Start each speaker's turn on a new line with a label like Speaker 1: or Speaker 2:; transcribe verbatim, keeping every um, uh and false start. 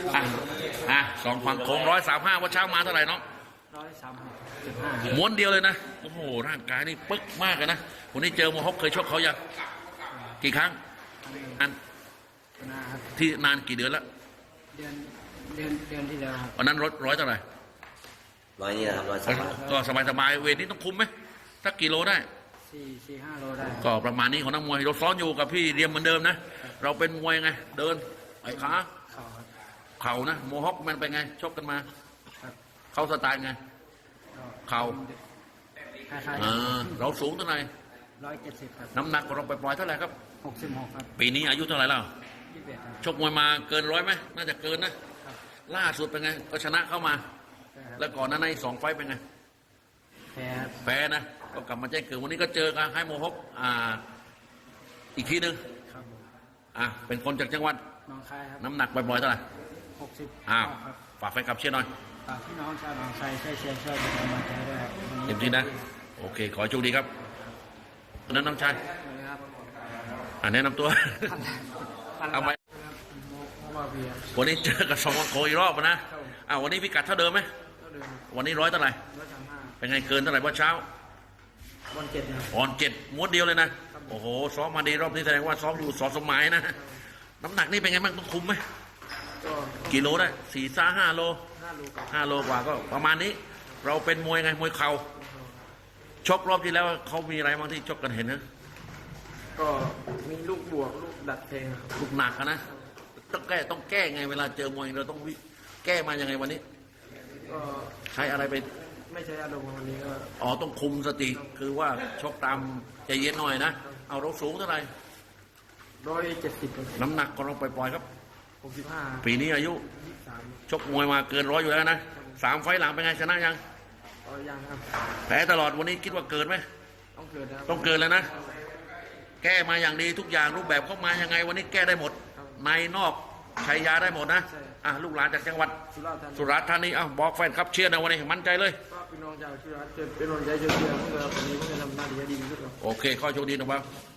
Speaker 1: อ่ะอ่ะสองฝั่งโค้งร้อยสามห้าว่าเช้ามาเท่าไหร่น้อง
Speaker 2: ร้อยสามสิบห้า
Speaker 1: ม้วนเดียวเลยนะโอ้โหร่างกายนี่ปึ๊กมากเลยนะวันนี้เจอโมฮอคเคยชกเขายังกี่ครั้งอันที่นานกี่เดือนแล้ว
Speaker 2: เดือนเดือนเดือนที่แล้วครับ
Speaker 1: วันนั้นร้อยร้อยเท่าไหร่
Speaker 3: ร้อยนี่นะครับร้อยสาม
Speaker 1: ก็สบายสบายเวทนี้ต้องคุมไหมสักกี่โลได้
Speaker 2: สี่สี่ห้าโลได้
Speaker 1: ก็ประมาณนี้ของนักมวยเราซ้อนอยู่กับพี่เรียมเหมือนเดิมนะเราเป็นมวยไงเดินไอ้ขาเข่านะโมฮอคมันเป็นไงชกกันมาเข้าสไตล์ไงเข่าเราสูงเท่าไหร่
Speaker 2: ร้อยเจ็ดสิบครับ
Speaker 1: น้ำหนักของเราปล่อยเท่าไหร่ครับ
Speaker 2: หกสิบหกครับ
Speaker 1: ปีนี้อายุเท่าไหร่แล้วชกมวยมาเกินร้อยไหมน่าจะเกินนะล่าสุดเป็นไงก็ชนะเข้ามาแล้วก่อนนั้นในสองไฟเป็นไง
Speaker 2: แพ้
Speaker 1: แพ้นะก็กลับมาแจ้งเกิดวันนี้ก็เจอกันให้โมฮอคอ่าอีกทีนึงอ่ะเป็นคนจากจังหวัด
Speaker 2: น้องคายครับ
Speaker 1: น้ำหนักบ่อยๆเท่าไหร่
Speaker 2: หกสิบ
Speaker 1: อ้าวฝากแฟนคลับเชียร์หน่อย
Speaker 2: ฝากพี่น้องชาวหนองคายช่วยเชียร์ช่วยเป็นกำลังใจด้วยครับ
Speaker 1: เต็มที่นะโอเคขอโชคดีครับนั้นน้องชายอ่าแนะนำตัวเอาไปวันนี้เจอกับสองโคอีกรอบนะอ้าววันนี้พิกัดเท่าเดิมไหมวันนี้ร้อยเท่าไหร่เป็นไงเกินเท่าไหร่เมื่อเช้า
Speaker 2: วันเจ็ด
Speaker 1: อ่อนเจ็ดม้วนเดียวเลยนะโอ้โหซ้อมมาดีรอบนี้แสดงว่าซ้อมอยู่สอนสมัยนะน้ำหนักนี่เป็นไงบ้างต้องคุมไหมกี่โลได้สี่ซ่าห้าโลห้าโลกว่าก็ประมาณนี้เราเป็นมวยไงมวยเข่าชกรอบที่แล้วเขามีอะไรบ้างที่ชกกันเห็นนะ
Speaker 2: ก็มีลูกบวกลูกดัดเพลง
Speaker 1: ลูกหนักนะต้องแก้ต้องแก้ไงเวลาเจอมวยเราต้องแก้มายังไงวันนี้
Speaker 2: ก็
Speaker 1: ใช้อะไรไป
Speaker 2: ไม่ใช่อารมณ์วันนี้ก็
Speaker 1: อ๋อต้องคุมสติคือว่าชกตามใจเย็นหน่อยนะเอาเราสูงเท่าไหร่
Speaker 2: ร้อยเจ็ดสิบ
Speaker 1: น้ำหนักของเราปล่อยๆครับ
Speaker 2: หกสิบห้า
Speaker 1: ปีนี้อายุชกมวยมาเกินร้อยอยู่แล้วนะสามไฟหลังเป็นไงชนะยัง
Speaker 2: ยังครับ
Speaker 1: แพ้ตลอดวันนี้คิดว่าเกินไหม
Speaker 2: ต้องเกิน
Speaker 1: ต้องเกินแล้วนะแก้มาอย่างดีทุกอย่างรูปแบบเข้ามายังไงวันนี้แก้ได้หมดในนอกใช้ยาได้หมดนะอ่ะลูกหลานจากจังหวัดสุราษฎร์ธานีอ่ะบอกแฟนครับเชียร์นะวันนี้มั่นใจเลย
Speaker 2: ก็พี่น้องชาวสุราษฎร์เป็นกำลังใจเชียร์เพื่อวันนี้เพื่อทำหน้าที่ดีที่สุด
Speaker 1: โอเคข้อโชคดีนะครับ